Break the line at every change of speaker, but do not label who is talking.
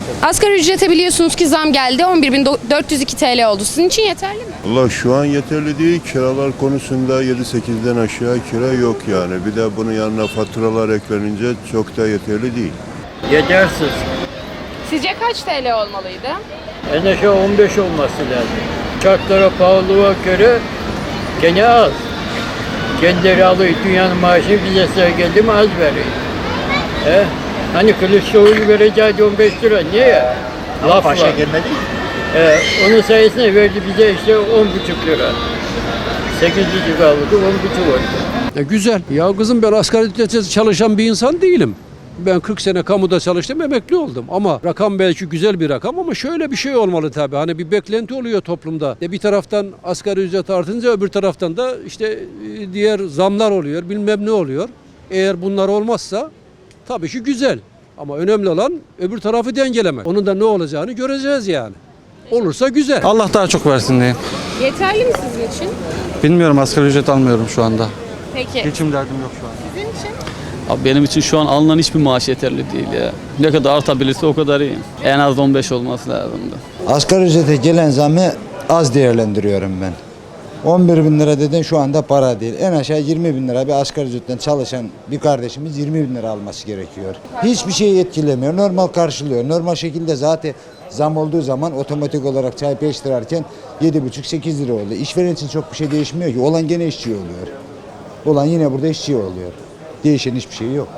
Asgari ücrete biliyorsunuz ki zam geldi. 11.402 TL oldu. Sizin için yeterli mi?
Allah şu an yeterli değil. Kiralar konusunda 7-8'den aşağı kira yok yani. Bir de bunun yanına faturalar eklenince çok da yeterli değil.
Yetersiz.
Sizce kaç TL olmalıydı?
En aşağı 15 olması lazım. Şartlara pahalılığa göre gene az. Kendileri alıyor dünyanın maaşını bize geldi mi az veriyor. Hani Kılıçdaroğlu vereceği 15 lira niye? Laf var.
gelmedi.
Onun sayesinde verdi bize işte 10,5 lira. 8 lira aldı, 10,5 oldu.
Güzel. Ya kızım ben asgari ücretle çalışan bir insan değilim. Ben 40 sene kamuda çalıştım, emekli oldum. Ama rakam belki güzel bir rakam ama şöyle bir şey olmalı tabii. Hani bir beklenti oluyor toplumda. Bir taraftan asgari ücret artınca öbür taraftan da işte diğer zamlar oluyor, bilmem ne oluyor. Eğer bunlar olmazsa tabii ki güzel. Ama önemli olan öbür tarafı dengelemek. Onun da ne olacağını göreceğiz yani. Olursa güzel.
Allah daha çok versin diye.
Yeterli mi sizin için?
Bilmiyorum, asgari ücret almıyorum şu anda.
Peki.
Geçim derdim yok şu an.
Sizin için?
Abi benim için şu an alınan hiçbir maaş yeterli değil ya. Ne kadar artabilirse o kadar iyi. En az 15 olması lazımdı.
Asgari ücrete gelen zamı az değerlendiriyorum ben. 11 bin lira dedin şu anda para değil. En aşağı 20 bin lira bir asgari ücretten çalışan bir kardeşimiz 20 bin lira alması gerekiyor. Hiçbir şeyi etkilemiyor. Normal karşılıyor. Normal şekilde zaten zam olduğu zaman otomatik olarak çay 5 lirarken 7,5-8 lira oldu. İşveren için çok bir şey değişmiyor ki. Olan gene işçi oluyor. Olan yine burada işçi oluyor. Değişen hiçbir şey yok.